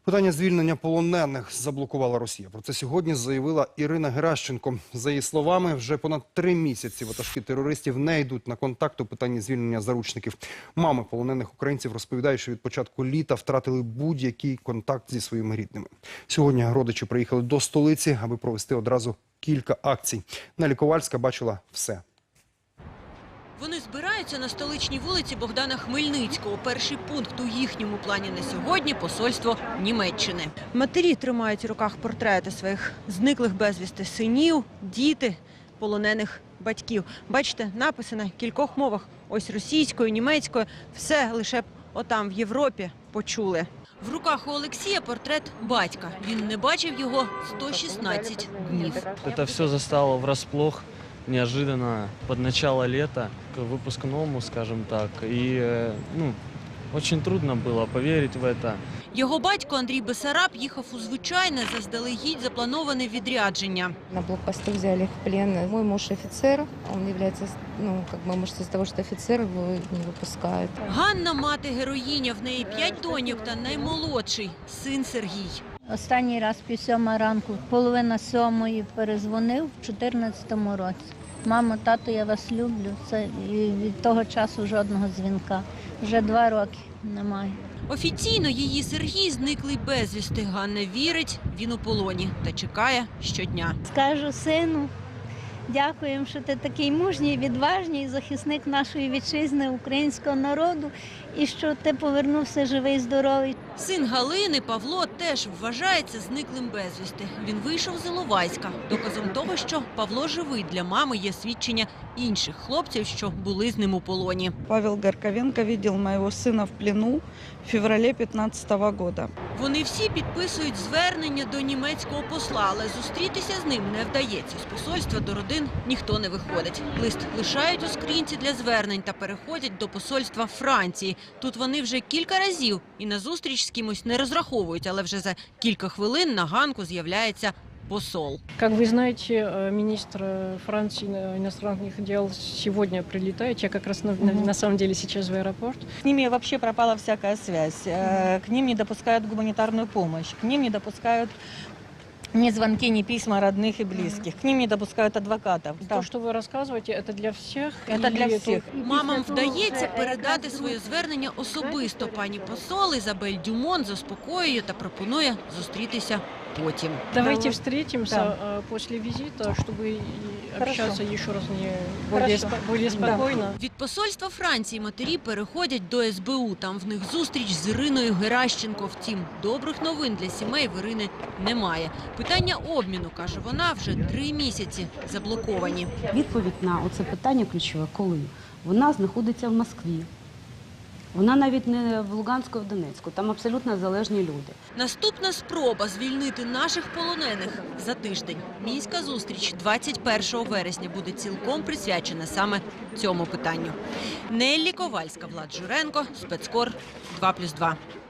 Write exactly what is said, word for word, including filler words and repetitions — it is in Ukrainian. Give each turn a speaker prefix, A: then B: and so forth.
A: Питання звільнення полонених заблокувала Росія. Про це сьогодні заявила Ірина Геращенко. За її словами, вже понад три місяці ватажки терористів не йдуть на контакт у питанні звільнення заручників. Мами полонених українців розповідають, що від початку літа втратили будь-який контакт зі своїми рідними. Сьогодні родичі приїхали до столиці, аби провести одразу кілька акцій. Нелі Ковальська бачила все.
B: Вони збираються на столичній вулиці Богдана Хмельницького. Перший пункт у їхньому плані на сьогодні – посольство Німеччини. Матері тримають у руках портрети своїх зниклих безвісти синів, діти, полонених батьків. Бачите, написи на кількох мовах. Ось російською, німецькою. Все лише б отам в Європі почули. В руках у Олексія портрет батька. Він не бачив його сто шістнадцять днів.
C: Это все застало врасплох, неожиданно, под начало лета, к выпускному, скажем так. И, ну, очень трудно было поверить в это.
B: Його батько Андрій Бесараб їхав у звичайне, заздалегідь заплановане відрядження.
D: На блокпосту взяли в плен. Мой муж офицер, он является, ну, как бы, может, из-за того, что офицер, его не выпускают.
B: Ганна – мати-героїня, в неї п'ять доньок та наймолодший – син Сергій.
E: Останній раз пів сьома ранку, половина сьомої перезвонив в чотирнадцятому році. Мамо, тато, я вас люблю. Це і від того часу жодного дзвінка. Вже два роки немає.
B: Офіційно її Сергій зниклий безвісти. Ганна вірить, він у полоні та чекає щодня.
E: Скажу сину, дякуємо, що ти такий мужній, відважний захисник нашої вітчизни, українського народу, і що ти повернувся живий, здоровий.
B: Син Галини, Павло, теж вважається зниклим безвісти. Він вийшов з Іловайська. Доказом того, що Павло живий, для мами є свідчення інших хлопців, що були з ним у полоні.
F: Павел Горковенко видел моего сына в плену в феврале пятнадцатого года.
B: Вони всі підписують звернення до німецького посла, але зустрітися з ним не вдається. З посольства до родин ніхто не виходить. Лист лишають у скринці для звернень та переходять до посольства Франції. Тут вони вже кілька разів і на зустріч з кимось не розраховують, але вже за кілька хвилин на ганку з'являється посол.
G: Как вы знаете, министр Франции иностранных дел сегодня прилетает. Я как раз на, на, на самом деле сейчас в аэропорт.
H: С ними вообще пропала всякая связь. К ним не допускают гуманитарную помощь, к ним не допускают ни звонки, ни письма родных и близких. К ним не допускают адвокатов.
G: То, что вы рассказываете, это для всех?
H: Это для всіх.
B: Мамам вдається передати своє звернення особисто. Пані посол Ізабель Дюмон заспокоює та пропонує зустрітися потім.
G: Давайте встретимся
H: Да.
G: после визита, чтобы общаться
H: Хорошо.
G: еще раз не более,
H: Хорошо.
G: спо- более спокойно.
B: Від посольства Франції матері переходять до ес бе у. Там в них зустріч з Іриною Геращенко. Втім, добрих новин для сімей в Ірини немає. Питання обміну, каже вона, вже три місяці заблоковані.
I: Відповідь на оце питання ключове, коли? Вона знаходиться в Москві. Вона навіть не в Луганську, а в Донецьку. Там абсолютно залежні люди.
B: Наступна спроба звільнити наших полонених за тиждень. Мінська зустріч двадцять першого вересня буде цілком присвячена саме цьому питанню. Неллі Ковальська, Влад Журенко, Спецкор, два плюс два.